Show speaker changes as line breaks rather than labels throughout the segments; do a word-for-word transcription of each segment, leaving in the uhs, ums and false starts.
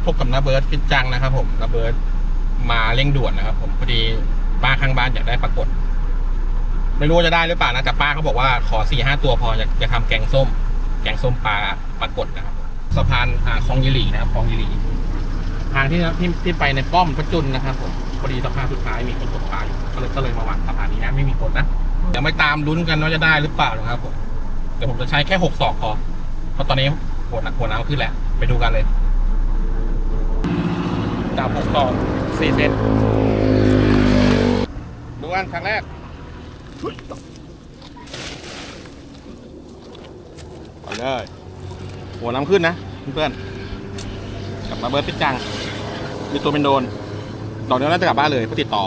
พบกับน้าเบิร์ดฟิตจังนะครับผมน้าเบิร์ดมาเร่งด่วนนะครับผมพอดีป้าข้างบ้านอยากได้ปลากดไม่รู้ว่าจะได้หรือเปล่านะแต่ป้าเขาบอกว่าขอสี่ห้าตัวพออยากจะทำแกงส้ม แกงส้มปลาปลากดนะครับสะพานอ่าคลองยีหลีนะครับคลองยีหลีทางที่ที่ที่ไปในป้อมพระจุลนะครับผมพอดีสะพานสุดท้ายมีคนตกปลาอยู่ก็เลยก็เลยมาวางสะพานนี้นะไม่มีคนนะเดี๋ยวไม่ตามลุ้นกันว่าจะได้หรือเปล่านะครับผมเดี๋ยวผมจะใช้แค่หกศอกพอเพราะตอนนี้หัวหนักหัวน้ำขึ้นแหละไปดูกันเลยจับหกศอกสี่เซนดูกันครั้งแรกไปเลยหัวน้ำขึ้นนะเพื่อนๆกลับมาเบิร์ดฟิตจังมีตัวเป็นโดนดอกเดียวน่าจะกลับบ้านเลยเพื่อติดต่อ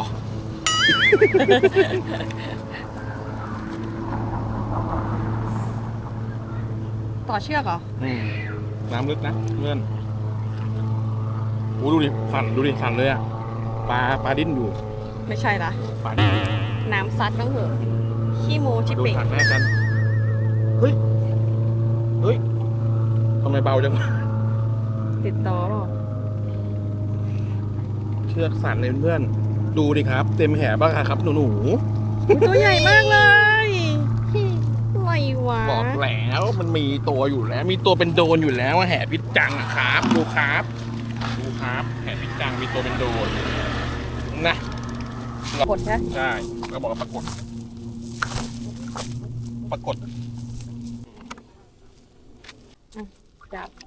ต่อเชือกเหรอ
น้ำลึกนะเพื่อนโอ้ดูดิสั่นดูดิสั่นเลยอะปลาปลาดิ้นอยู่
ไม่ใช่ละ
ปลาดิ้น
น้ำซัดบ้างเหอะขี้โมชิ
ดู
เป่ง
สั่นแม่กันเฮ้ยเฮ้ยทำไมเบาจัง
ติดต่อเปล่า
เชือกสั่นเลยเพื่อนดูดิครับ เต็มแหบ้างครับหนูหนู
ตัวใหญ่มากเลยอะไรวะ
บอกแล้วมันมีตัวอยู่แล้ว มีตัวเป็นโดนอยู่แล้วแห่พิษจังอะครับดูครับดูครับแห่พิษจังมีตัวเป็นโดนนะ
กดใช่
ใช่ก็บอกว่าปรากฏปรากฏ
จับ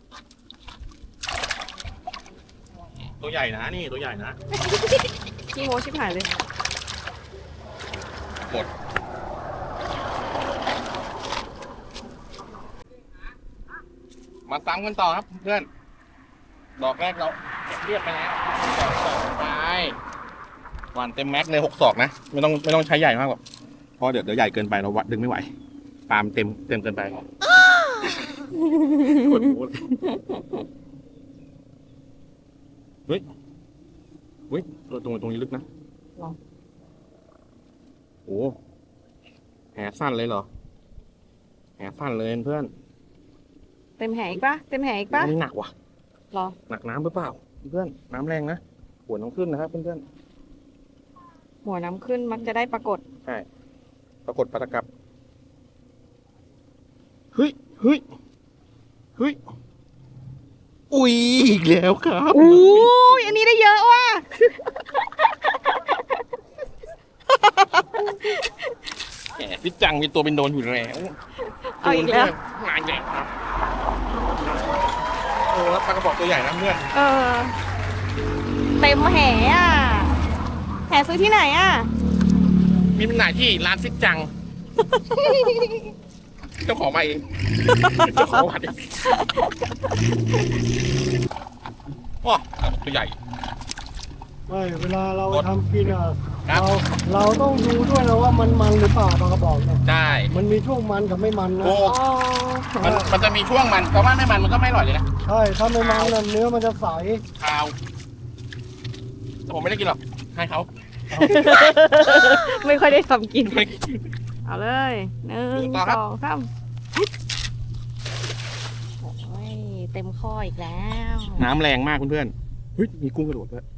ตัวใหญ่นะนี่ตัวใหญ่นะ
ขี้โมชิบหายเลย
กดมาซ้ำกันต่อครับเพื่อนดอกแรกเราเรียบไปแล้วดอกสองไปหวานเต็มแม็กเลยหกศอกนะไม่ต้องไม่ต้องใช้ใหญ่มากหรอกเพราะเดี๋ยวเดี๋ยวใหญ่เกินไปเราวัดดึงไม่ไหวปาล์มเต็มเต็มเกินไปกดหัวเฮ้ยเฮ้ยตรงตรงนี้ลึกนะโอ้แหสั้นเลยเหรอแหสั้นเลยเพื่อน
เต็มแหอีกปะเต็มแหอีกปะ
นี่หนักว่ะ
รอ
หนักน้ำหรือเปล่าเพื่อนน้ำแรงนะหัวน้ำขึ้นนะครับเพื่อน
หัวน้ำขึ้นมักจะได้ปรากฏ
ๆใช่ปรากฏปลาตะกับเฮ้ยเฮ้ยเฮ้ยอุ้ยอีกแล้วครับ
อู้ยอันนี้ได้เยอะว่ะ
แหมพี่จังมีตัวเป็นโดนอยู่แล้ว
เอาอีกแล้ว
มาอีกแล้วครับโอ้แล้วปลากระบอกตัวใหญ่นะเพื่อน
เออเต็มแหอ่ะแหซื้อที่ไหนอ่ะ
มีจำหน่ายที่ร้านซิกจัง เจ้าของมาเองเจ้าของมาเองว้าตัวใหญ่
ไม่เวลาเราทำกินอ่ะ
ครับ
เราเราต้องดูด้วยนะว่ามันมันหรือเปล่าปลากระบอกเนี่ย
ใช่
มันมีช่วงมันกับไม่มันนะ
โอ้
อ๋อ
มันมันจะมีช่วงมันเพราะว่าไม่มันมันก็ไม่อร่อยเลยนะ
ใช่ถ้าไม่มันน่ะเนื้อมันจะใส
คาวแต่ผมไม่ได้กินหรอกให้เขา
ไม่ค่อยได้ทำกิน
ไม่
เอาเลยหนึ่ง
ต่อครับ
สองสามโอ้ยเต็มข้ออีกแล้ว
น้ำแรงมากเพื่อนๆเฮ้ยมีกุ้งกระโดดด้วย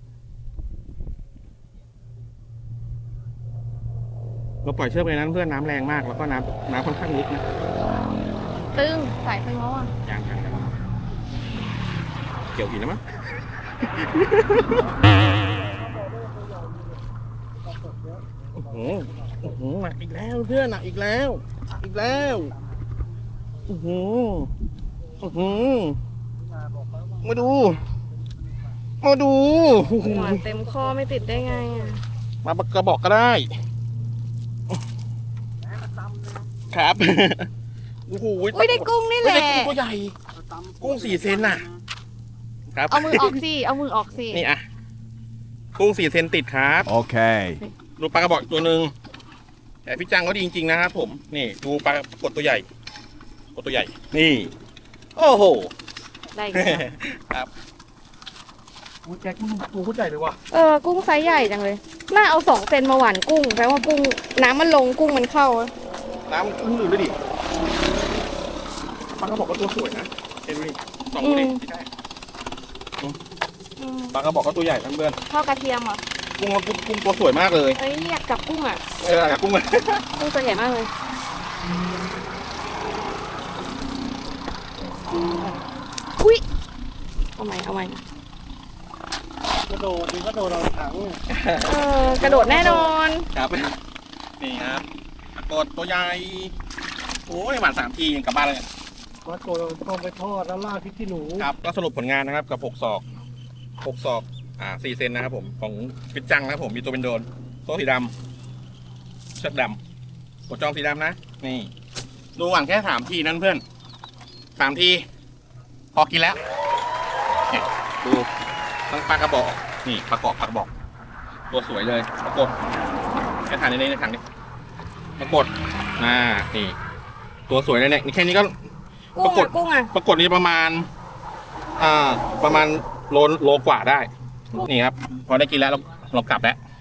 เราปล่อยเชือกไปนั้นเพื่อนน้ำแรงมากแล้วก็น้ำน้ำค่อนข้างลึกนะ
ตึงสายตึงแล้วอ่ะ
อย่างนั้นเกี่ยวหินแล้วมั้งโอ้โหโอ้โหหนักอีกแล้วเพื่อนหนักอีกแล้วอีกแล้วโอ้โหโอ้โหมาดูมาดู
หวานเต็มข้อไม่ติดได้ไงอ่ะ
มากระบอกก็ได้ครับโอ้โห
อุ้ยได้กุ้งนี่แห
ไม่
ละ
ได้กุ้งตัวใหญ่กุ้งสี่เซนน่ะครับ
เอามือออกสิเอามือออกสิ
นี่อ่ะกุ้งสี่เซนติดครับ
Okay.
ดูปลากระบอกอีกตัวหนึ่งแต่พี่จังเขาดีจริงๆนะครับผมนี่ดูปลากดตัวใหญ่กดตัวใหญ่ นี่ โอ้โห
ได้อีกแล้ว
ครับโอ้แจ็คตัวเขาใหญ่เลยว่ะ
เออกุ้งไซส์ใหญ่จังเลยน่าเอาสองเซนมาหว่านกุ้งแปลว่ากุ้งน้ำมันลงกุ้งมันเข้าอะ
น้ำขึ้นอื่นด้วยดิปลากระบอกก็ตัวสวยนะเห็นไหมสองตัวดิใช่
อืม
ปลากระบอกก็ตัวใหญ่ทั้งเพื่อน
ทอดกระเทียมเหรอ
กุ้งกุ้งกุ้งตัวสวยมากเลย
เอ้ยอยากจับกุ้งอ่ะ
เออกุ้งมัน
กุ้งตัวใหญ่มากเลยอุ้ยเอาใหม่เอาใหม่
กระโดดมันก็โดดเราถังเนี่ย
เออกระโดดแน่นอน
ครับนี่ครับปรากฏตัวใหญ่โอ้ยหวานสามทียังกลับบ้านเลย
มาโกดเราต้องไปทอดแล้วราดพริกขี้หนู
ครับก็สรุปผลงานนะครับกับหกศอกหกศอกอ่าสี่เซนนะครับผมของพิจจังนะครับผมมีตัวเป็นโดนโซ่สีดำเชือกดำกดจองสีดำนะนี่ดูหวานแค่สามทีนั่นเพื่อนสามทีพอกินแล้วเนี่ยดูทั้งปลากระบอกนี่ปลากรอบปลากระบอก ตัวสวยเลยปรากฏแค่ถ่ายในนี้ในถังนี้ปรากฏอ่านี่ตัวสวยเลยเนี่ยนี่แค่นี้ก็
กุ้ง
ปรากฏ
อ่ะกุ้งอ่ะ
ปรากฏนี่ประมาณอ่าประมาณโลโลกว่าได้นี่ครับพอได้กินแล้วเราเรากลับแล้ว